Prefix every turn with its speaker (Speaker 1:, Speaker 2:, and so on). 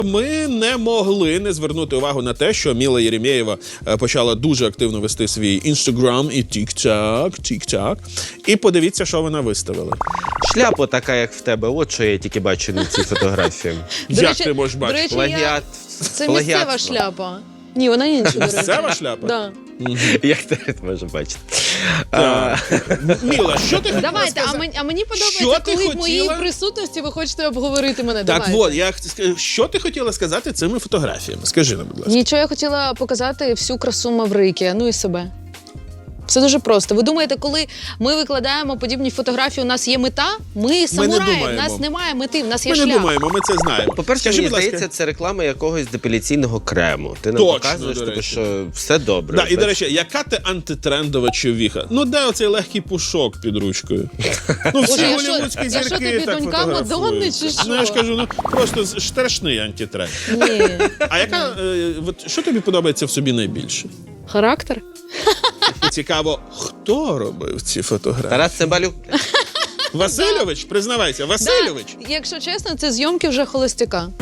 Speaker 1: Ми не могли не звернути увагу на те, що Міла Єремєєва почала дуже активно вести свій Instagram і TikTok. І подивіться, що вона виставила.
Speaker 2: Шляпа така, як в тебе. От що я тільки бачу на цій фотографії.
Speaker 1: Як ти можеш бачити?
Speaker 2: Плагіат.
Speaker 3: Це місцева шляпа. Ні, вона інша, до речі.
Speaker 1: Місцева шляпа?
Speaker 3: Да.
Speaker 2: Як ти можеш бачити?
Speaker 1: Міла, що ти хотіла
Speaker 3: Давайте,
Speaker 1: сказати?
Speaker 3: а мені
Speaker 1: Що
Speaker 3: подобається,
Speaker 1: ти
Speaker 3: коли в моїй
Speaker 1: хотіла?
Speaker 3: присутності ви хочете обговорити мене.
Speaker 1: Так,
Speaker 3: Давайте.
Speaker 1: що ти хотіла сказати цими фотографіями? Скажи нам, будь ласка.
Speaker 3: Нічого, я хотіла показати всю красу Маврики, ну і себе. Все дуже просто. Ви думаєте, коли ми викладаємо подібні фотографії, у нас є мета? Ми самураї, у нас немає мети, у нас є
Speaker 1: Ми
Speaker 3: шлях.
Speaker 1: не думаємо, ми це знаємо.
Speaker 2: По-перше,
Speaker 1: Скажи,
Speaker 2: мені
Speaker 1: будь ласка.
Speaker 2: здається, це реклама якогось депіляційного крему. Ти нам
Speaker 1: Точно,
Speaker 2: показуєш,
Speaker 1: до
Speaker 2: тобі,
Speaker 1: речі.
Speaker 2: що все добре.
Speaker 1: Да, і, до речі, яка ти антитрендова човіха? Ну, де оцей легкий пушок під ручкою? Ну, всі
Speaker 3: Боже, я
Speaker 1: голівудські
Speaker 3: що
Speaker 1: зірки
Speaker 3: тобі,
Speaker 1: так
Speaker 3: донька
Speaker 1: фотографують.
Speaker 3: Мадонни, чи що?
Speaker 1: Ну, я ж кажу, ну, просто страшний антитренд.
Speaker 3: Ні.
Speaker 1: А яка, що тобі подобається в собі найбільше?
Speaker 3: Характер?
Speaker 1: Цікаво, хто робив ці фотографії?
Speaker 2: Тарас Цимбалюк.
Speaker 1: Васильович? Признавайся, Васильович?
Speaker 3: Да, якщо чесно, це зйомки вже холостяка.